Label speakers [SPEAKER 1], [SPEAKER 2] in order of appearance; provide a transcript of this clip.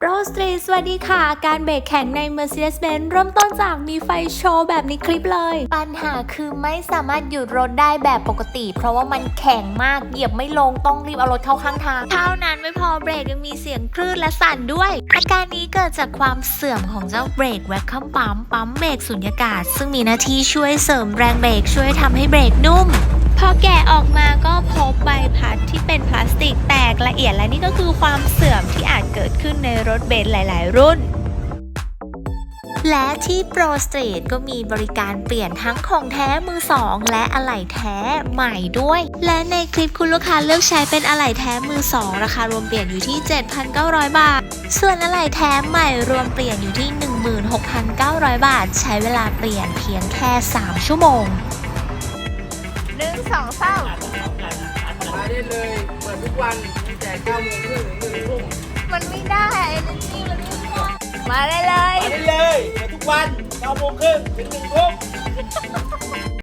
[SPEAKER 1] โรสตรีสวัสดีค่ะการเบรกแข็งใน Mercedes-Benz เริ่มต้นจากมีไฟโชว์แบบในคลิปเลยปัญหาคือไม่สามารถหยุดรถได้แบบปกติเพราะว่ามันแข็งมากเหยียบไม่ลงต้องรีบเอารถเข้าข้างทางเท่านั้นไม่พอเบรกยังมีเสียงคลื่นและสั่นด้วยอาการนี้เกิดจากความเสื่อมของเจ้าเบรกแวคคัมปั๊มเบรกสุญญากาศซึ่งมีหน้าที่ช่วยเสริมแรงเบรกช่วยทำให้เบรกนุ่มพอแกะออกมาก็พบใบพัดที่เป็นพลาสติกแตกละเอียดและนี่ก็คือความเสื่อมที่อาจเกิดขึ้นในรถเบนซ์หลายๆรุ่นและที่โปรสตรีทก็มีบริการเปลี่ยนทั้งของแท้มือสองและอะไหล่แท้ใหม่ด้วยและในคลิปคุณลูกค้าเลือกใช้เป็นอะไหล่แท้มือสองราคารวมเปลี่ยนอยู่ที่ 7,900 บาทส่วนอะไหล่แท้ใหม่รวมเปลี่ยนอยู่ที่ 16,900 บาทใช้เวลาเปลี่ยนเพียงแค่3 ชั่วโมง1 2 3
[SPEAKER 2] มาได้เลยเปิดทุกวันตั้งแต่9 โมงครึ่งถึง1 ทุ่ม
[SPEAKER 1] มันไม่ได้เอเนจีมันไม่พอมาได้เลย
[SPEAKER 2] มาได้เลยเปิดทุกวัน9 โมงครึ่งถึง1 ทุ่ม